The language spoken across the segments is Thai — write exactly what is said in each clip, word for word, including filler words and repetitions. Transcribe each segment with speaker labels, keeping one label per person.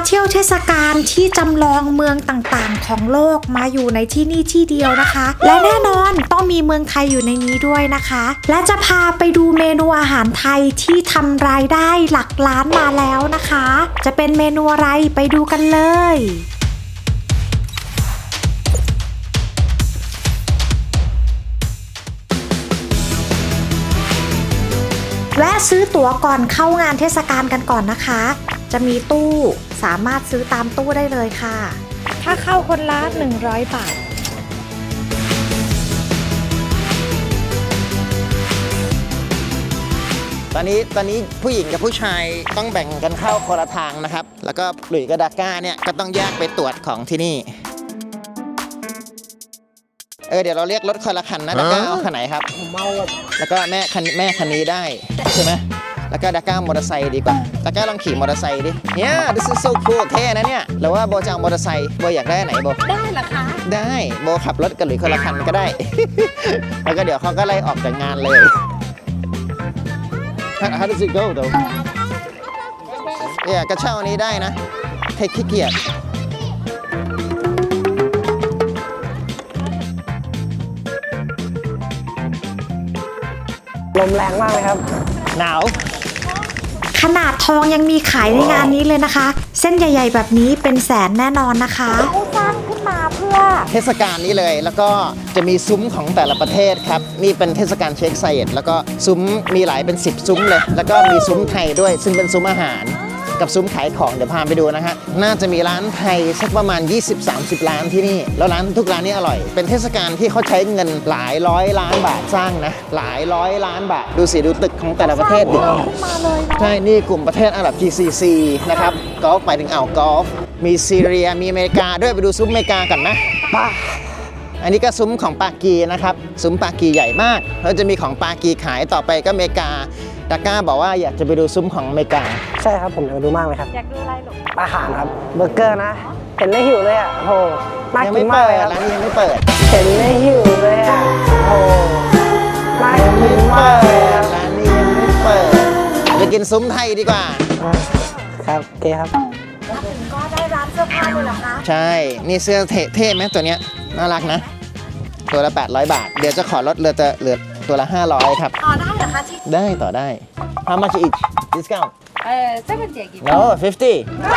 Speaker 1: เที่ยวเทศกาลที่จำลองเมืองต่างๆของโลกมาอยู่ในที่นี่ที่เดียวนะคะและแน่นอนต้องมีเมืองไทยอยู่ในนี้ด้วยนะคะและจะพาไปดูเมนูอาหารไทยที่ทำรายได้หลักล้านมาแล้วนะคะจะเป็นเมนูอะไรไปดูกันเลยแวะซื้อตั๋วก่อนเข้างานเทศกาลกันก่อนนะคะจะมีตู้สามารถซื้อตามตู้ได้เลยค่ะค่าเข้าคนละหนึ่งร้อยบาท
Speaker 2: ตอนนี้ตอนนี้ผู้หญิงกับผู้ชายต้องแบ่งกันเข้าคนละทางนะครับแล้วก็หลุยส์กับดาก้าเนี่ยก็ต้องแยกไปตรวจของที่นี่เออเดี๋ยวเราเรียกรถคนละคันนะดาก้าเอาคันไหนครับผมเมาแล้วก็แม่คันแม่คันนี้ได้ใช่ไหมแล้วก็ดาก้ามอเตอร์ไซค์ดีกว่าดาก้าลองขี่มอเตอร์ไซค์ดิเนี่ย this is so cool เท่นะเนี่ยหรือว่าโบจะเอามอเตอร์ไซค์โบอยากได้ไหนโบ
Speaker 1: ได้เหรอคะ
Speaker 2: ได้โบขับรถกับหลุยส์คนละคันก็ได้ แล้วก็เดี๋ยวเขาก็ไล่ออกจากงานเลย How does it go though เนี่ยกระเช้านี้ได้นะใครขี้เกียจ
Speaker 3: ลมแรงมากเลยครับ
Speaker 2: หนาว
Speaker 1: ขนาดทองยังมีขายในงานนี้เลยนะคะเส้นใหญ่ๆแบบนี้เป็นแสนแน่นอนนะคะเขาสร้างขึ้นมาเพื่อ
Speaker 2: เทศกาลนี้เลยแล้วก็จะมีซุ้มของแต่ละประเทศครับนี่เป็นเทศกาลเชคไซด์แล้วก็ซุ้มมีหลายเป็นสิบซุ้มเลยแล้วก็มีซุ้มไทยด้วยซึ่งเป็นซุ้มอาหารกับซุ้มขายของเดี๋ยวพาไปดูนะฮะน่าจะมีร้านไทยสักประมาณ ยี่สิบถึงสามสิบ ร้านที่นี่แล้วร้านทุกร้านนี่อร่อยเป็นเทศกาลที่เขาใช้เงินหลายร้อยล้านบาทสร้างนะหลายร้อยล้านบาทดูสิดูตึกของแต่ละประเทศดิใช่นี่กลุ่มประเทศอาหรับ จี ซี ซี นะครับกอล์ฟหมายถึงอ่าวกอล์ฟมีซีเรียมีอเมริกาด้วยไปดูซุ้มอเมริกากันนะป้าอันนี้ก็ซุ้มของปากีนะครับซุ้มปากีใหญ่มากแล้วจะมีของปากีขายต่อไปก็อเมริกาดาก้าบอกว่าอยากจะไปดูซุ้มของอเมริกา
Speaker 3: ใช่ครับผมอยากไปดูมากเลยครับ
Speaker 1: อยากดูอะไรหรอ
Speaker 3: อาหารครับเบอร์เกอร์นะเห็นแล้วหิวเลยอ่ะโอ้น่ากินมากเลยครับ
Speaker 2: ร้านนี้ยังไม่เปิด
Speaker 3: เห็นแล้วหิวเลยอ่ะโอ้น่ากินมากเลย
Speaker 2: ร้านนี้ยังไม่เปิดไปกินซุ้มไทยดีกว่า
Speaker 3: ครับโอเคครับ
Speaker 1: ก็ได้ร้านเสื้อผ้าเลยเหรอคะ
Speaker 2: ใช่นี่เสื้อเท่ไหมตัวเนี้ยน่ารักนะตัวละแปดร้อยบาทเดี๋ยวจะขอลดเหลือจะเหลือตัวละห้าร้อยครับ
Speaker 1: ต่อได้เหรอคะที่
Speaker 2: ได้ต่อได้ How much each discount
Speaker 4: เอ่อseventy
Speaker 2: No fifty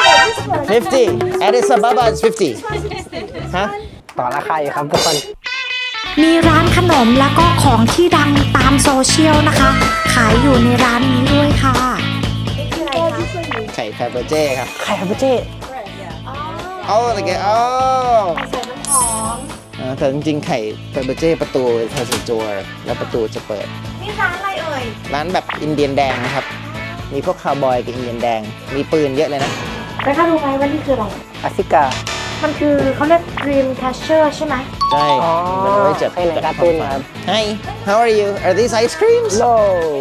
Speaker 2: fifty Addis Ababa is fifty ฮะ
Speaker 3: ต่อราคาอยู่ครับทุกคน
Speaker 1: มีร้านขนมแล้วก็ของที่ดังตามโซเชียลนะคะขายอยู่ในร้านนี้ด้วยค่ะ
Speaker 2: ไข่แฟเบอร์เจ้ครับ
Speaker 3: ไข่แฟเบอร์เจ้
Speaker 2: โอ้ตะเกียบโอ้ใส่น้ำหอมแต่จริงๆไข่แฟเบอร์เจ้ประตูเธอจะจัวแล้วประตูจะเปิด
Speaker 1: นี่ร้านอะไรเอ่ย
Speaker 2: ร้านแบบอินเดียนแดงนะครับมีพวกคาวบอยกับอินเดียนแดงมีปืนเยอะเลยนะ
Speaker 1: แล้วถ้ารู้ไหมว่านี่คืออะไร
Speaker 3: อาฟิกา
Speaker 1: มันคือเขาเรียก Dream Catcher ใช่ไหม
Speaker 2: ใช่มันไว้จับ
Speaker 3: ให้ในการ์ตูนครับ
Speaker 2: Hi how are you are these ice creams
Speaker 3: No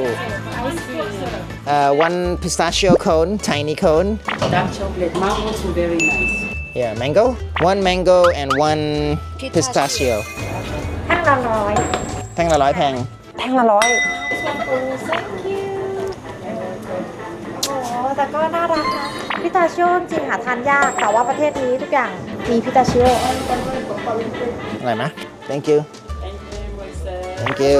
Speaker 2: uh one pistachio cone tiny cone
Speaker 4: dark chocolate mango is very nice
Speaker 2: yeah mango one mango and one pistachio
Speaker 1: แท่งละร้อย
Speaker 2: แท่งละร้อยแพง
Speaker 3: แท่งละร้อย
Speaker 1: แต่ก็น่ารักนะพิตาชิโอจริงหาทานยากแต่ว่าประเทศนี้ทุกอย่างมีพิตาชิโอ
Speaker 2: อะไรนะ thank you thank you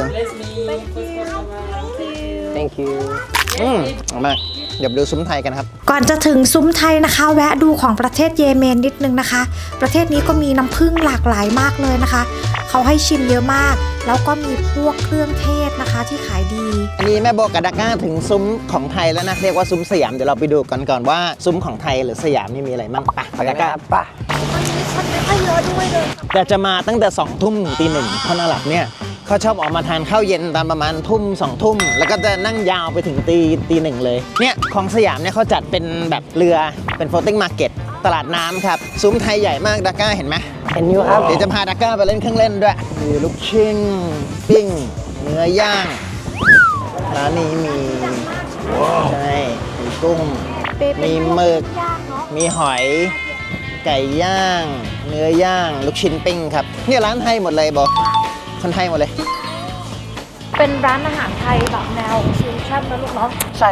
Speaker 3: thank you
Speaker 2: อืมออกมาเดี๋ยวดูซุ้มไทยกันครับ
Speaker 1: ก่อนจะถึงซุ้มไทยนะคะแวะดูของประเทศเยเมนนิดนึงนะคะประเทศนี้ก็มีน้ำผึ้งหลากหลายมากเลยนะคะเขาให้ชิมเยอะมากแล้วก็มีพวกเครื่องเทศนะคะที่ขายดี
Speaker 2: อันนี้แม่โบกับดาก้าถึงซุ้มของไทยแล้วนะเรียกว่าซุ้มสยามเดี๋ยวเราไปดูกันก่อนว่าซุ้มของไทยหรือสยามนี่มีอะไรบ้างไปดาก้า
Speaker 3: ป่ะ
Speaker 1: มันไม่ค่อยเยอะด้วยเลย
Speaker 2: แต่จะมาตั้งแต่สองทุ่มถึงตีหนึ่งคนอาหรับเนี่ยเขาชอบออกมาทานข้าวเย็นตามประมาณทุ่มสองทุ่มแล้วก็จะนั่งยาวไปถึงตีตีหนึ่งเลยเนี่ยของสยามเนี่ยเขาจัดเป็นแบบเรือเป็น floating market ตลาดน้ำครับซุ้มไทยใหญ่มากดาก้าเห็นไหม
Speaker 3: เห็นอยู่ครับ
Speaker 2: เดี๋ยวจะพาดาก้าไปเล่นเครื่องเล่นด้วยมีลูกชิ้นปิ้งเนื้อย่างร้านนี้มีใช่มีกุ้งมีหมึกมีหอยไก่ย่างเนื้อย่างลูกชิ้นปิ้งครับเนี่ยร้านไทยหมดเลยบอกคนไทยหมดเลย
Speaker 1: เป็นร้านอาหารไทยแบบแนวฟิวชั่นนะลูกเนาะ
Speaker 3: ใช่ครับ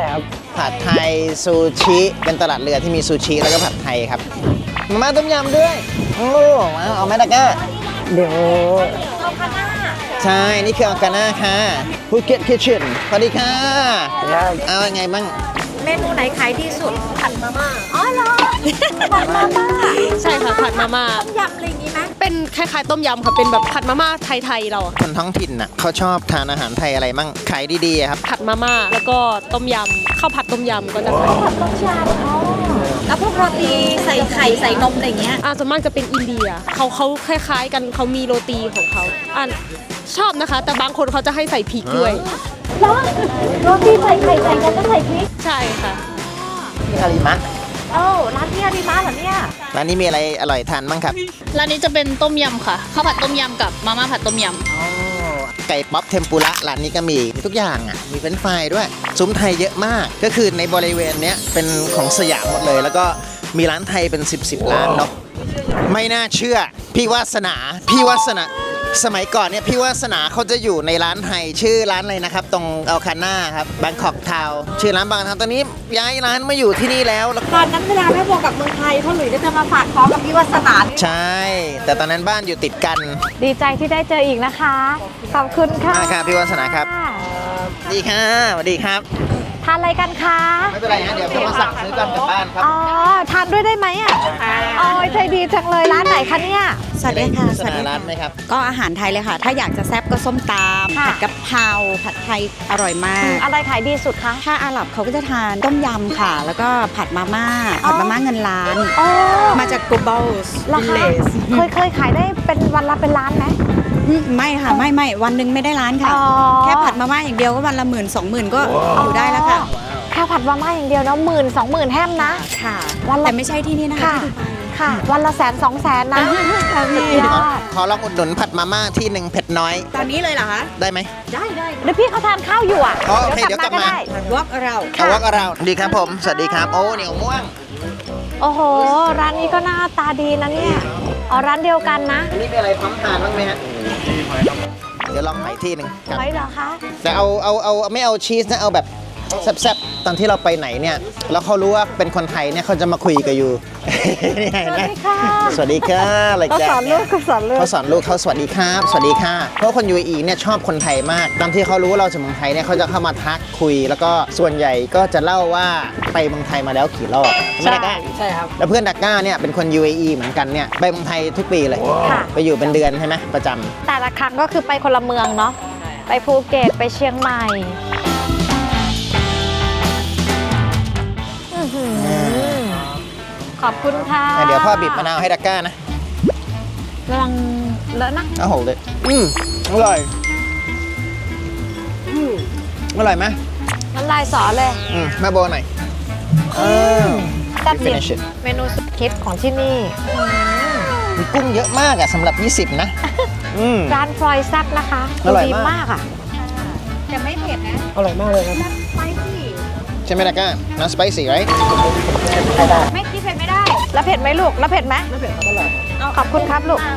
Speaker 2: ผัดไทยซูชิเป็นตลาดเรือที่มีซูชิแล้วก็ผัดไทยครับมาม่าต้มยำด้วยโอ้มาเอาไหมดาก้า
Speaker 3: เดี๋ยว
Speaker 2: ใช่นี่คืออากาน่าค่ะภูเก็ตคิทเช่นสวัสดีค่ะเอาไงบ้าง
Speaker 1: เมนูไหนขายดีสุดผัดมาม่าอ๋อเหรอผัดมาม่า
Speaker 5: ใช่ค่ะผัดมาม่า
Speaker 1: ต้มยำอะไรอย่างงี้ไหม
Speaker 5: เป็นคล้ายๆต้มยำค่ะเป็นแบบผัดมาม่าไทยๆเราอะ
Speaker 2: คนท้องถิ่นน่ะเขาชอบทานอาหารไทยอะไรมั่งขายดีๆอะครับ
Speaker 5: ผัดมาม่าแล้วก็ต้มยำข้าวผัดต้มยำก็จะขาย
Speaker 1: ผัดต้มยำอ๋อแล้วพวกโรตีใส่ไข่ใส่นมอะไรอย่างเงี้ย
Speaker 5: อ่าส่วนมากจะเป็นอินเดียเขาเขาคล้ายๆกันเขามีโรตีของเขาอ่าชอบนะคะ แต่บางคนเขาจะให้ใส่พริกด้วย
Speaker 1: แล้วโรตีใส่ไข่ใส่กันก็ใส่พริก
Speaker 5: ใช่ค่ะ
Speaker 2: ที่ฮาริมะ
Speaker 1: เอ้าร้านพี่อาริมาเหรอเนี่ย
Speaker 2: ร้านนี้มีอะไรอร่อยทานบ้างครับ
Speaker 6: ร้านนี้จะเป็นต้มยำค่ะข้าวผัดต้มยำกับมาม่าผัดต้มยำ
Speaker 2: ไก่ป๊อปเทมปุระร้านนี้ก็มีมีทุกอย่างอ่ะมีเฟรนช์ฟรายด้วยซุ้มไทยเยอะมากก็คือในบริเวณเนี้ยเป็นของสยามหมดเลย แล้วก็มีร้านไทยเป็นสิบสิบร้านเนาะไม่น่าเชื่อพี่วาสนาพี่วาสนาสมัยก่อนเนี่ยพี่วาสนาเขาจะอยู่ในร้านไทยชื่อร้านอะไรนะครับตรงอัลคาน่าครับบางกอกทาวชื่อร้านบางทาวตอนนี้ย้ายร้านมาอยู่ที่นี่แล้วแล้ว
Speaker 1: ตอนนั้นเวลาแม่โบกับเมืองไทยพ่อหลุยส์ก็จะมาฝากท้องกับพี่วัสนา
Speaker 2: ใช่ แต่ตอนนั้นบ้านอยู่ติดกัน
Speaker 1: ดีใจที่ได้เจออีกนะคะ ขอบคุณค่ะ
Speaker 2: มาครับพี่วาสนาครับสวัสดีค่ะสวัสดีครับ
Speaker 1: ทานอะไรกันคะ
Speaker 2: ไม่เป็นไรนะเดี๋ยวจะมาสั่งซื้อกันกลับบ้านครับ
Speaker 1: อ๋อ ทานด้วยได้ไหมอ่ะอ๋อใจดีจังเลยร้านไหนคะเนี่ย
Speaker 7: สวัสดีค่ะ
Speaker 2: สนาร้านไหมครับ
Speaker 7: ก็อาหารไทยเลยค่ะ ถ้าอยากจะแซ่บก็ส้มตำ
Speaker 1: ค่ะ
Speaker 7: ผัดกะเพราผัดไทยอร่อยมาก
Speaker 1: อะไรขายดีสุดคะ
Speaker 7: ถ้าอาหรับเขาก็จะทานต้มยำค่ะ แล้วก็ผัดมาม่า ผัดมาม่าเงินล้าน
Speaker 1: อ๋อ
Speaker 7: มาจาก global
Speaker 1: ราคา
Speaker 7: village
Speaker 1: เคยเคยขายได้เป็นวันละเป็นล้านไหม
Speaker 7: อืมไม่ค่ะ ไม่ไม่วันหนึ่งไม่ได้ล้านค่ะ
Speaker 1: อ๋อ
Speaker 7: แค่ผัดมาม่าอย่างเดียวก็วันละหมื่นสองหมื่นก็อยู่ได้แล้วค่ะ
Speaker 1: แค่ผัดมาม่าอย่างเดียวนะหมื่นสองหมื่นแฮมนะ
Speaker 7: ค่ะ
Speaker 1: วันละ
Speaker 7: แต่ไม่ใช่ที่นี่นะคะ
Speaker 1: ค่ะ
Speaker 7: ที่ดูไบ
Speaker 1: ค่ะ วันละแสนสองแสนนะสุดยอด
Speaker 2: ขอลองอุดหนุนผัดมาม่าที่หนึ่งเผ็ดน้อย
Speaker 7: ตอนนี้เลยเหรอคะ
Speaker 2: ได้ไหม
Speaker 7: ได้ได้
Speaker 1: เดี๋ยวพี่เขาทานข้าวอยู่อ่ะ
Speaker 2: อ๋อโอเคเดี๋ยวกลับมา
Speaker 1: ได้
Speaker 7: วอกเรา
Speaker 2: เอาวักเราดีครับผม สวัสดีครับ โอ้เหนียวม่วง
Speaker 1: โอ้โห ร้านนี้ก็หน้าตาดีนะเนี่ยอ๋อร้านเดียวกันนะ
Speaker 2: อันนี้มีอะไรพร้อมทานบ้างไหมฮะเดี๋ยวลองใหม่ที่หนึ่งครับ
Speaker 1: ไว้เหรอคะ
Speaker 2: แต่เอาเอาเอาไม่เอาชีสนะ เอาแบบแซ่บๆ ตอนที่เราไปไหนเนี่ย แล้วเขารู้ว่าเป็นคนไทยเนี่ยเขาจะมาคุยกับอยู่ นี่ไง
Speaker 1: สวัส
Speaker 2: นะ
Speaker 1: ดีค่ะ
Speaker 2: สวัสดีค่ะอะไร
Speaker 1: เขา
Speaker 2: แก
Speaker 1: สอนลูกเขาสอนลูก
Speaker 2: เขาสอนลูกเขาสวัสดีครับ สวัสดีค่ะ เพราะคน ยู เอ อี เนี่ยชอบคนไทยมาก ตอนที่เขารู้ว่าเราจากเมืองไทยเนี่ยเขาจะเข้ามาทักคุย แล้วก็ส่วนใหญ่ก็จะเล่าว่าไปเมืองไทยมาแล้วกี่รอบใช่ไหมดาก้า
Speaker 3: ใช่ครับ
Speaker 2: แล้วเพื่อนดักก้าเนี่ยเป็นคน ยู เอ อี เหมือนกันเนี่ยไปเมืองไทยทุกปีเลย
Speaker 1: ค่ะ
Speaker 2: ไปอยู่เป็นเดือนใช่ไหมประจำ
Speaker 1: แต่ละครั้งก็คือไปคนละเมืองเนาะ ไปภูเก็ต ไปเชียงใหม่อื้อหือขอบคุณค่ะ
Speaker 2: แต่เดี๋ยวพ่อบีบมะนาวให้ดักก้านะ
Speaker 1: ระวังเลอะนะ
Speaker 2: โอ้โหเลยอืมอร่อยอืมอร่อยไหม
Speaker 1: น้ำลายสอเลย
Speaker 2: อืมแม่โบหน่อยเออ
Speaker 1: จัดดิ
Speaker 2: finish it
Speaker 1: เมนูสุดฮิตของที่นี่
Speaker 2: มีกุ้งเยอะมากอะสำหรับ ยี่สิบ นะอืม
Speaker 1: ร้านฟลอยแซ่บนะคะ
Speaker 2: อร่อย
Speaker 1: ดี
Speaker 2: มาก
Speaker 1: มากอ่ะ
Speaker 7: จะไม่เผ็ดนะ
Speaker 3: อร่อยมากเลยครับ
Speaker 2: ใช่ไหมดักก้า not spicy right
Speaker 1: ไม่คิดเผ็ดไม่ได้ แล้วเผ็ดไหมลูก แล้วเผ็ดไหมไม่เผ็ดครับอร่อยขอบคุณครับลูก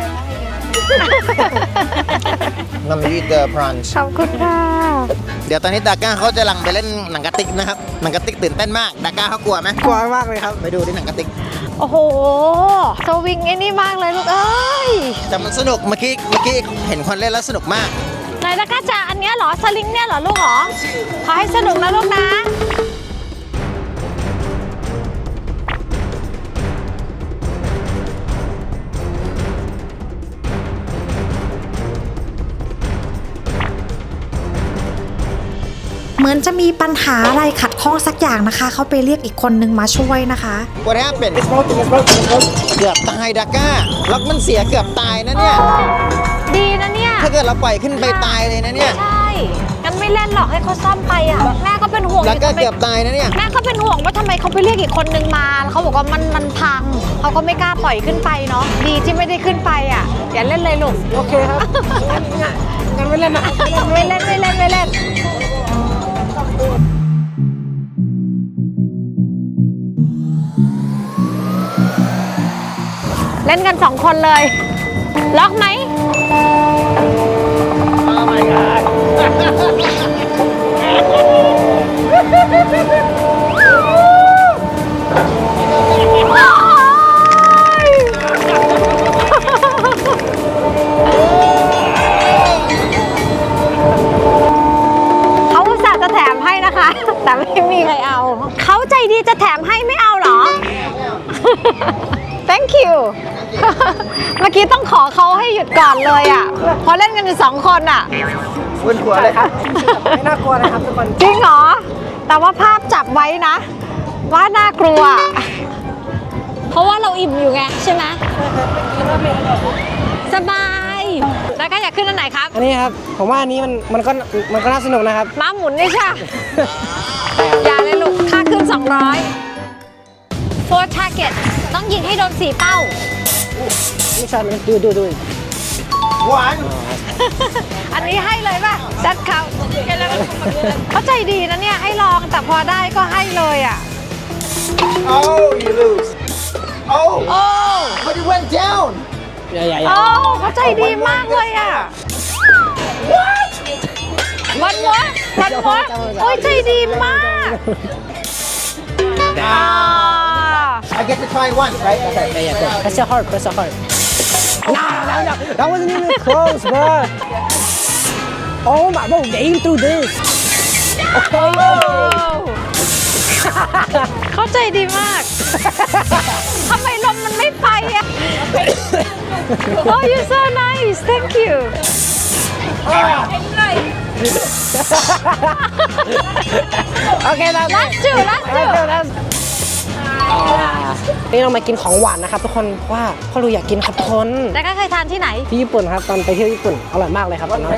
Speaker 2: น้ำยีเตอร์พรอนช์
Speaker 1: ขอบคุณค่ะ
Speaker 2: เดี๋ยวตอนนี้ดาก้าเขาจะลังไปเล่นหนังกระติกนะครับ หนังกระติกตื่นเต้นมากดาก้าเขากลัวไหม
Speaker 3: กลัวมากเลยครับ
Speaker 2: ไปดูที่หนังกระติก
Speaker 1: โอ้โหสวิงไอ้นี่มากเลยลูกเอ้ย
Speaker 2: แต่มันสนุกเมื่อกี้เมื่อกี้เห็นคนเล่นแล้วสนุกมาก
Speaker 1: ไหนนะก้าจ๋าอันเนี้ยเหรอ สลิงเนี่ยเหรอลูกเหรอ ขอให้สนุกนะลูกนะ
Speaker 8: เหมือนจะมีปัญหาอะไรขัดข้องสักอย่างนะคะ เขาไปเรียกอีกคนนึงมาช่วยนะคะ
Speaker 2: What happened เกือบตายดาก้าล็อกมันเสียเกือบตายนะเนี่ย
Speaker 1: ดีนะเนี่ย
Speaker 2: ถ้าเกิดเราปล่อยขึ้นไปตายเลยนะเนี่ย
Speaker 1: ใช่งั้นไม่เล่นหรอกให้เขาซ่อมไปอ่ะ แม่ก็เป็นห่วงอ
Speaker 2: แล้ว
Speaker 1: ยู่
Speaker 2: ก็
Speaker 1: ทำไม
Speaker 2: เกือบตายนะเนี่ย
Speaker 1: แม่ก็เป็นห่วงว่าทำไมเขาไปเรียกอีกคนนึงมาแล้วเขาบอกว่ามันมันพัง เขาก็ไม่กล้าปล่อยขึ้นไปเนาะ ดีที่ไม่ได้ขึ้นไปอ่ะ อย่าเล่นเลยลูก
Speaker 3: โอเคครับ งั้นไม่เล่นนะ
Speaker 1: ไม่เล่นไม่เล่นไม่เล่น เล่นกันสองคนเลย ล็อกไหม
Speaker 3: Oh my god
Speaker 1: เมื่อกี้ต้องขอเขาให้หยุดก่อนเลยอ่ะเพราะเล่นกันอยู่สองคนอ่ะ
Speaker 2: บนหัวเลยครับ
Speaker 3: ไม่น่ากลัวนะครับทุกคน
Speaker 1: จริงเหรอ แต่ว่าภาพจับไว้นะ ว่าน่ากลัว เพราะว่าเราอิ่มอยู่ไงใช่ไหมสบาย แล้วก็อยากขึ้นอันไหนครับ
Speaker 3: อันนี้ครับผมว่าอันนี้มันมันก็มันก็น่าสนุกนะครับ
Speaker 1: ม้าหมุนนี่ใช่ อย่าเลยลูก ค่าขึ้น สองร้อย four target ต้องยิงให้โดนสี่เป้า
Speaker 3: ไม่ใช่มันดูดูดู
Speaker 2: หวาน
Speaker 1: อันนี้ให้เลยป่ะจัดเขาเขาใจดีนะเนี่ย ให้ลองแต่พอได้ก็ให้เลยอ่ะ
Speaker 2: Oh you lose Oh
Speaker 1: โอ้
Speaker 2: but it went down
Speaker 3: อย่าอย่าอย่า
Speaker 1: โอ้เขาใจดีมากเลยอ่ะ วันวะวันวะโอ้ยใจดีมากอ่า
Speaker 2: I get to try once right okay
Speaker 3: yeah yeah press your heart press your heart no no no that wasn't even close bro oh my bro aim through this
Speaker 1: เขาใจดีมาก ทำไมลมมันไม่ไปอ่ะ Oh you so nice thank you
Speaker 3: okay that's
Speaker 1: last two last two
Speaker 3: นี่เรามากินของหวานนะครับทุกคนว่าพ่อรูอยากกินครับทุกคน
Speaker 1: แล้วก็เคยทานที่ไหน
Speaker 3: ที่ญี่ปุ่นครับตอนไปเที่ยวญี่ปุ่นอร่อยมากเลยครับตอนนั้น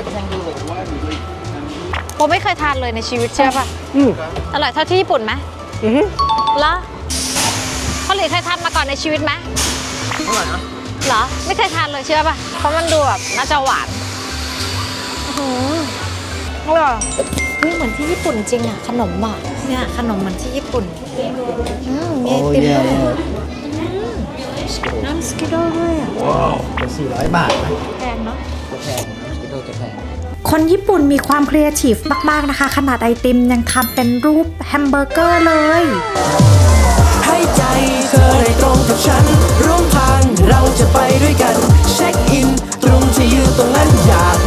Speaker 1: ผมไม่เคยทานเลยในชีวิตเชื่อป่ะ
Speaker 3: อืม
Speaker 1: อร่อยเท่าที่ญี่ปุ่นไหม
Speaker 3: อือฮึ
Speaker 1: แล้วพ่อหลีเคยทานมาก่อนในชีวิตไหมอร่อยนะเหรอ ไม่เคยทานเลยเชื่อป่ะ เพราะมันดูแบบน่าจะหวานอื้อหืออร่อยนี่เหมือนที่ญี่ปุ่นจริงอ่ะ ขนมอ่ะ เนี่ยขนมเหมือนที่ญี่ปุ่นอืมมีไอติมด้วยน้ำสกิโดด้วยอ่ะ
Speaker 2: สี่ร้อยบาทนะ
Speaker 1: แพงเนาะ
Speaker 2: แพงสกิโดจะแพง
Speaker 8: คนญี่ปุ่นมีความครีเอทีฟมากๆนะคะ ขนาดไอติมยังทำเป็นรูปแฮมเบอร์เกอร์เลย
Speaker 9: ให้ใจเธอได้ตรงกับฉันร่วมทางเราจะไปด้วยกันเช็คอินตรงที่ยืนตรงนั้นอยาก